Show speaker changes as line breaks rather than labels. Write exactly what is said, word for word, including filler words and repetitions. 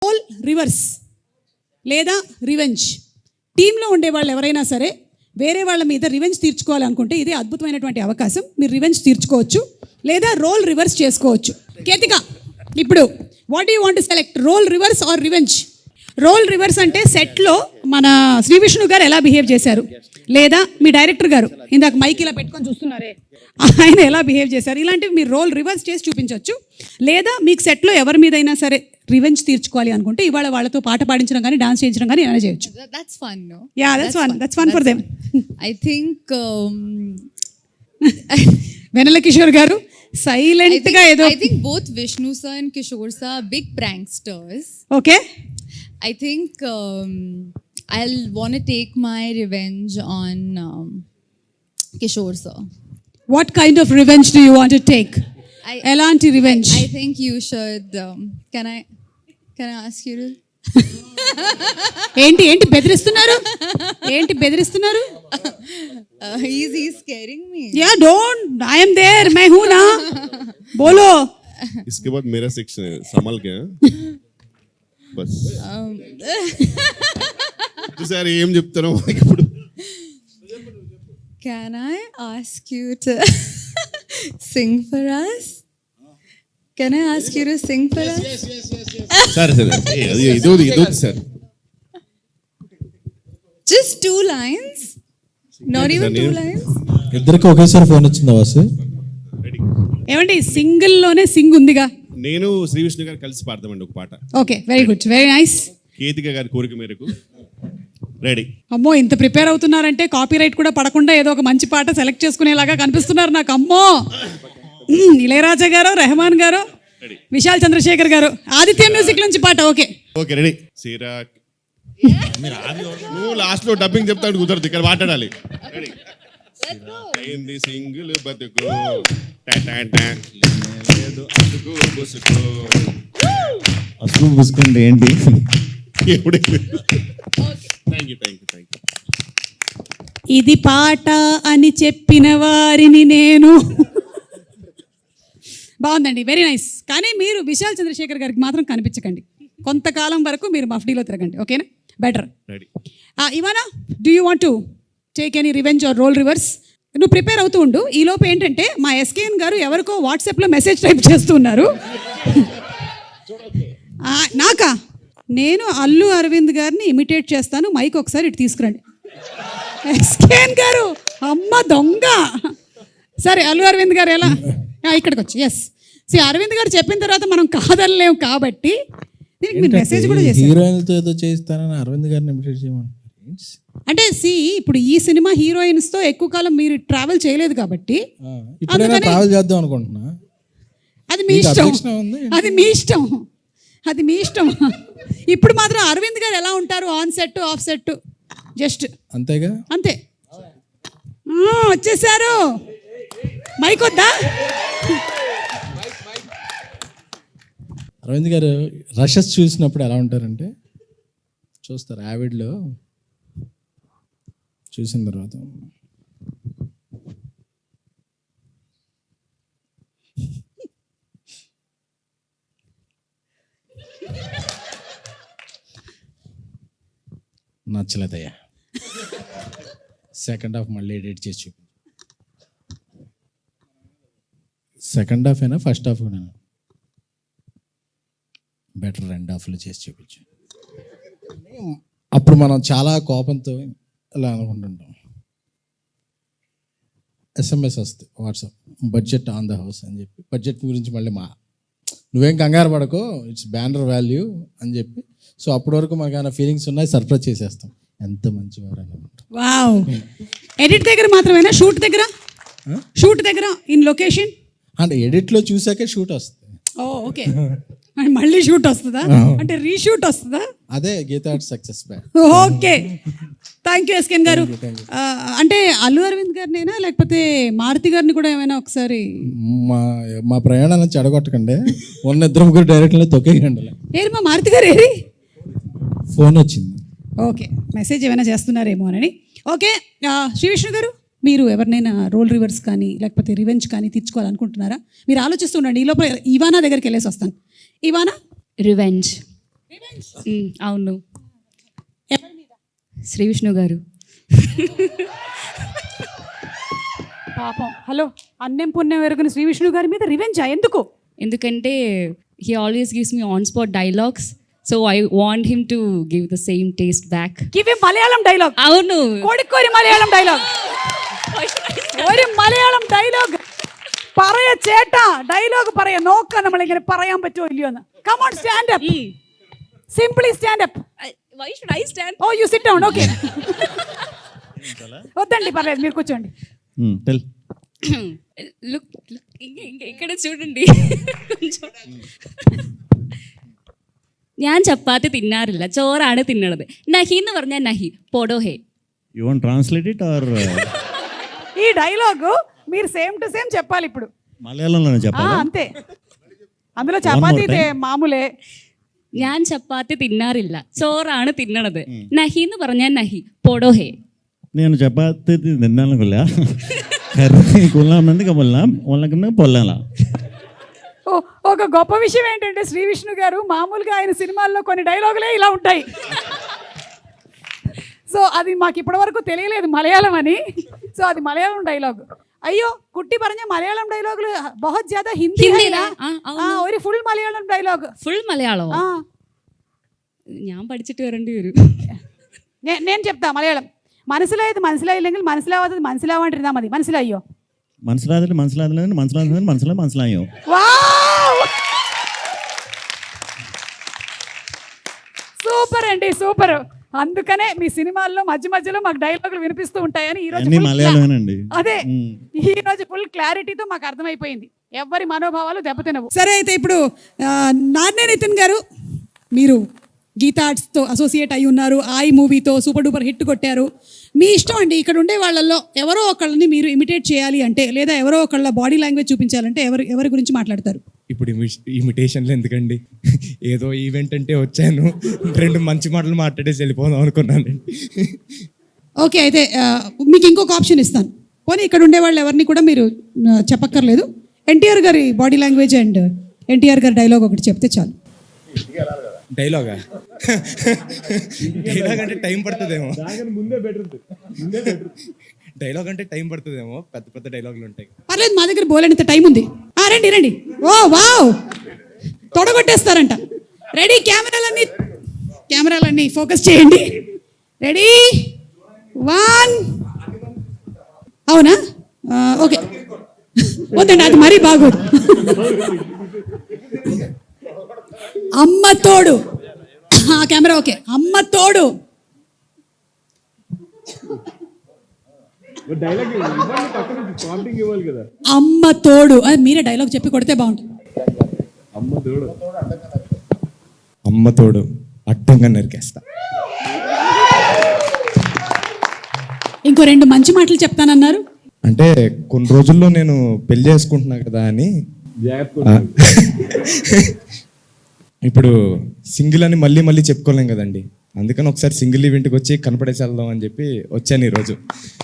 Role reverse లేదా revenge. టీంలో ఉండే వాళ్ళు ఎవరైనా సరే వేరే వాళ్ళ మీద రివెంజ్ తీర్చుకోవాలనుకుంటే ఇదే అద్భుతమైనటువంటి అవకాశం. మీరు రివెంజ్ తీర్చుకోవచ్చు లేదా రోల్ రివర్స్ చేసుకోవచ్చు. కేతిక, ఇప్పుడు what you want select, role reverse or revenge? Role reverse అంటే సెట్లో మన శ్రీ విష్ణు గారు ఎలా బిహేవ్ చేశారు, లేదా మీ డైరెక్టర్ గారు ఇందాక మైక్ ఇలా పెట్టుకొని చూస్తున్నారే ఆయన ఎలా బిహేవ్ చేశారు, ఇలాంటివి మీరు రోల్ రివర్స్ చేసి చూపించవచ్చు. లేదా మీకు సెట్లో ఎవరి మీదైనా సరే రివెంజ్ తీర్చుకోవాలి అనుకుంటే ఇవాళ వాళ్ళతో పాట పాడించడం కానీ డాన్స్ చేయించడం కానీ ఏమైనా చేయొచ్చు.
That's fun, no?
Yeah, that's fun. That's fun for them.
I think um,
వెనెల కిషోర్ గారు సైలెంట్ గా ఏదో.
I think both Vishnu sir and Kishore sir are big pranksters.
Okay.
I think um, I'll want to take my revenge on um, Kishore sir.
What kind of revenge do you want to take?
I,
ఎలాంటి revenge?
I think you should. Um, can I? Can I ask you to?
ఏంటి ఏంటి బెదిరిస్తున్నారు, ఏంటి బెదిరిస్తున్నారు?
Uh, he's he's scaring me.
Yeah, don't. I am there. मैं हूँ ना. बोलो.
इसके बाद मेरा सेक्शन है, संभल के बस.
Um,
तो सर ఏం చెప్తారో ఇప్పుడు.
Can I ask you to sing for us? Can I ask you to sing for us?
సరే సరే అది ఇదో ఇదో sir.
Just two lines? Not even two lines?
ఇద్దరికి ఒకేసారి ఫోన్ వచ్చిందా వాసు?
ఏమండి సింగిల్ లోనే సింగ్ ఉందిగా.
నేను శ్రీ విష్ణు గారు కలిసి పాడతామండి ఒక పాట.
Okay, very good, very nice.
Ketika గారి కోరిక మేరకు రెడీ.
అమ్మో, ఇంత ప్రిపేర్ అవుతున్నారంటే కాపీ రైట్ కూడా పడకుండా ఏదో ఒక మంచి పాట సెలెక్ట్ చేసుకునేలాగా కనిపిస్తున్నారు నాకు. అమ్మో, ఇళయరాజా గారు, రెహమాన్ గారు, విశాల్ చంద్రశేఖర్ గారు, ఆదిత్య మ్యూజిక్ నుంచి పాట. Okay
okay ready. సీరా నువ్వు లాస్ట్ లో డబ్బింగ్ చెప్తాడు, కుదరదు, ఇక్కడ మాట్లాడాలి. రెడీ. అయింది సింగిల్ బతుకు లేదు అతుకు బుసుకు.
అసలు పుసుకుంటే ఏంటి?
ఇది పాట అని చెప్పిన వారిని నేను. బాగుందండి, వెరీ నైస్. కానీ మీరు విశాల్ చంద్రశేఖర్ గారికి మాత్రం కనిపించకండి, కొంతకాలం వరకు మీరు మఫ్డీలో తిరగండి. ఓకేనా? Better. Ivana, do you want to take any revenge or role reverse? నువ్వు ప్రిపేర్ అవుతూ ఉండు. ఈ లోపు ఏంటంటే మా ఎస్కేఎన్ గారు ఎవరికో వాట్సాప్లో మెసేజ్ టైప్ చేస్తున్నారు. నాకా? నేను అల్లు అరవింద్ గారిని ఇమిటేట్ చేస్తాను, మైక్ ఒకసారి ఇటు తీసుకురండి. ఎస్కేఎన్ గారు, అమ్మ దొంగ. సరే, అల్లు అరవింద్ గారు ఎలా ఇక్కడికి వచ్చి, ఎస్ సి అరవింద్ గారు చెప్పిన తర్వాత మనం కాదనలేము కాబట్టి దీనికి మీరు మెసేజ్ కూడా చేశారు.
హీరోయిన్తో ఏదో చేస్తానని అరవింద్ గారిని ఇమిటేట్ చేయమని.
అంటే సి ఇప్పుడు ఈ సినిమా హీరోయిన్స్తో ఎక్కువ కాలం మీరు ట్రావెల్ చేయలేదు కాబట్టి
ట్రావెల్ చేద్దాం అనుకుంటున్నా.
అది మీ ఇష్టం, అది మీ ఇష్టం, అది మీ ఇష్టం. ఇప్పుడు మాత్రం అరవింద్ గారు ఎలా ఉంటారు, on set off set just
అంతేగా,
అంతే. వచ్చేసారు, మైక్ వద్దా?
అరవింద్ గారు రషెస్ చూసినప్పుడు ఎలా ఉంటారంటే, చూస్తారు యావిడ్లో చూసిన తర్వాత నచ్చలేదయ్యా, సెకండ్ హాఫ్ మళ్ళీ ఎడిట్ చేసి చూపి. సెకండ్ హాఫ్ అయినా ఫస్ట్ హాఫ్ కూడా బెటర్ రెండు హాఫ్లు చేసి చూపించు. అప్పుడు మనం చాలా కోపంతో ఇలా అనుకుంటుంటాం. ఎస్ఎంఎస్ వస్తుంది WhatsApp, budget on the house అని చెప్పి, బడ్జెట్ గురించి మళ్ళీ మా నువ్వేం కంగారు పడకో, ఇట్స్ బ్యానర్ వాల్యూ అని చెప్పి. సో అప్పటి వరకు మాకు ఏమైనా ఫీలింగ్స్ ఉన్నాయి, సర్ప్రైజ్ చేసేస్తాం. ఎంత మంచివారు అనుకుంటాం.
వావ్. ఎడిట్ దగ్గర మాత్రమేనా, షూట్ దగ్గర? షూట్ దగ్గర ఇన్ లొకేషన్
అంటే ఎడిట్లో చూసాకే షూట్ వస్తుంది.
ఓ ఓకే, మళ్ళీ షూట్ వస్తుందా? అంటే రీషూట్ వస్తుందా?
అదే Geetha success back.
Okay, thank you SKN garu. అంటే అల్లు అరవింద్ గారినైనా లేకపోతే మారుతి గారిని కూడా ఏమైనా ఒకసారి
మా మా ప్రయాణాన్ని చెడగొట్టకండి, ఉన్న ఇద్దరు ముగ్గురు డైరెక్ట్లీ తొక్కేయండి.
ఏరి మా మారుతి గారు ఏరి?
ఫోన్ వచ్చింది.
ఓకే, మెసేజ్ ఏమైనా చేస్తున్నారేమో అని. ఓకే, శ్రీ విష్ణు గారు, మీరు ఎవరినైనా రోల్ రివర్స్ కానీ లేకపోతే రివెంజ్ కానీ తీర్చుకోవాలనుకుంటున్నారా? మీరు ఆలోచిస్తుండండి, ఈ లోపల ఇవానా దగ్గరికి వెళ్ళేసి వస్తాను. ఇవానా,
రివెంజ్. మ్, అవును శ్రీ విష్ణు గారు.
పాపం హలో అన్నం పుణ్యం ఎరుగున శ్రీ విష్ణు గారి మీద రివెంజా ఎందుకు?
ఎందుకంటే he always gives me on spot dialogues, so I want him to give the same taste back.
Give Malayalam dialogue.
అవును,
കോഴിക്കോട് മലയാളം ഡയലോഗ്. ഒരു മലയാളം ഡയലോഗ് പറയ ചേട്ടാ, ഡയലോഗ് പറയ നോക്കാം നമ്മളിങ്ങനെ പറയാൻ പറ്റുമോ ഇല്ലയോ എന്ന്. Come on stand up, simply stand up.
Why should I stand?
Oh you sit down. Okay వద్దండి పర్లేదు, మీరు కూర్చోండి.
టెల్
లుక్ ఇక్కడ చూడండి కొంచెం. ഞാൻ ചപ്പാത്തി തിന്നാറില്ല, ചോറാണ് തിന്നണത്. നഹി എന്ന് പറഞ്ഞാൽ നഹി, പോടോ ഹേ.
You want translate it or
ఈ డైలాగ్ మీరు సేమ్ టు సేమ్ చెప్పాలి ఇప్పుడు.
మలయాళంలోనే
ఆ,
చెప్పాలా?
అంతే. అందులో చపాతీ
more time.
మామూలే.
ഞാൻ ചപ്പാത്തി తిన్నాറില്ല, ചോറാണ് తిన్నണത്. നഹി എന്ന് പറഞ്ഞാൽ നഹി, పోడో హే.
నేను చపాతి తిన్నాను కొల్లా కర్రీ కొల్లామంది కబొల్లా వాళ్ళకన్నా పొల్లాలా.
ఓ, ఒక గొప్ప విషయం ఏంటంటే శ్రీ విష్ణు గారు మామూలుగా ఆయన సినిమాల్లో కొన్ని డైలాగులే ఇలా ఉంటాయి. సో అది మాకు ఇప్పటివరకు తెలియలేదు మలయాళం అని. సో అది మలయాళం డైలాగ్. అయ్యో കുട്ടി പറഞ്ഞ മലയാളം ഡയലോഗില് बहुत ज्यादा ഹിന്ദി है
ഹിന്ദിയിലാ?
ना?
ആ,
ആ, ഒരു ഫുൾ മലയാളം ഡയലോഗ്.
ഫുൾ മലയാളമോ?
ആ,
ഞാൻ പഠിച്ചിട്ട് വരേണ്ടി വരും.
నే- నేను చెప్తా మలయాళం. മനസ്സിലായത് മനസ്സിലായില്ലെങ്കിൽ മനസ്സിലാവാത്തത് മനസ്സിലാവാണ്ടിരുന്നാ മതി. മനസ്സിലായോ?
మనసులాదంటే మనసులాదని మనసులాదని మనసులో మనసులాయో.
వావ్, సూపర్ అండి, సూపర్. అందుకనే మీ సినిమాల్లో మధ్య మధ్యలో మాకు డైలాగులు వినిపిస్తూ ఉంటాయని ఈ రోజు
అన్ని
full cla-
మలయాళమేనండి.
అదే
మ్మ్.
ఈ రోజు ఫుల్ క్లారిటీతో మాకు అర్థమైపోయింది. ఎవరి మనోభావాలు దెబ్బతినవు. సరే అయితే ఇప్పుడు నాన్నే నితిన్ గారు, మీరు గీతా ఆర్ట్స్తో అసోసియేట్ అయి ఉన్నారు. ఆయి మూవీతో సూపర్ డూపర్ హిట్ కొట్టారు. మీ ఇష్టం అండి. ఇక్కడ ఉండే వాళ్ళల్లో ఎవరో ఒకళ్ళని మీరు ఇమిటేట్ చేయాలి అంటే, లేదా ఎవరో ఒకళ్ళ బాడీ లాంగ్వేజ్ చూపించాలంటే ఎవరు ఎవరి గురించి మాట్లాడతారు?
ఇప్పుడు ఇమిటేషన్లు ఎందుకండి, ఏదో ఈవెంట్ అంటే వచ్చాను, రెండు మంచి మాటలు మాట్లాడేసి వెళ్ళిపోదాం అనుకున్నానండి.
ఓకే, అయితే ఆ, మీకు ఇంకొక ఆప్షన్ ఇస్తాను. పోనీ ఇక్కడ ఉండే వాళ్ళు ఎవరిని కూడా మీరు ఆ, చెప్పక్కర్లేదు. ఎన్టీఆర్ గారి బాడీ లాంగ్వేజ్ అండ్ ఎన్టీఆర్ గారి డైలాగ్ ఒకటి చెప్తే చాలు.
డైలాగా డైలాగ్ అంటే టైం పడుతుందేమో. డైలాగ్ అంటే టైం పడుతుందేమో, పెద్ద పెద్ద డైలాగులు ఉంటాయి.
పర్లేదు, మా దగ్గర బోలేనంత టైం ఉంది. ఆ, రండి రండి. ఓ వావ్, తొడగొట్టేస్తారంట. రెడీ, కెమెరాలన్నీ కెమెరాలన్నీ ఫోకస్ చేయండి. Ready, one. అవునా? ఆ, ఓకే, వద్దండి, అది మరీ బాగోదు. అమ్మ తోడు. ఆ, కెమెరా ఓకే. అమ్మ తోడు. అమ్మ తోడు. అది మీరే డైలాగ్ చెప్పి కొడితే బాగుంటుంది.
అమ్మ తోడు అడ్డంగా నరికేస్తా.
ఇంకో రెండు మంచి మాటలు చెప్తానన్నారు.
అంటే కొన్ని రోజుల్లో నేను పెళ్లి చేసుకుంటున్నా కదా అని. ఆ. ఇప్పుడు సింగిల్ అని మళ్ళీ మళ్ళీ చెప్పుకోలేం కదండి, అందుకని ఒకసారి సింగిల్ ఈవెంట్కి వచ్చి కనపడేసి వెళ్దాం అని చెప్పి వచ్చాను ఈరోజు.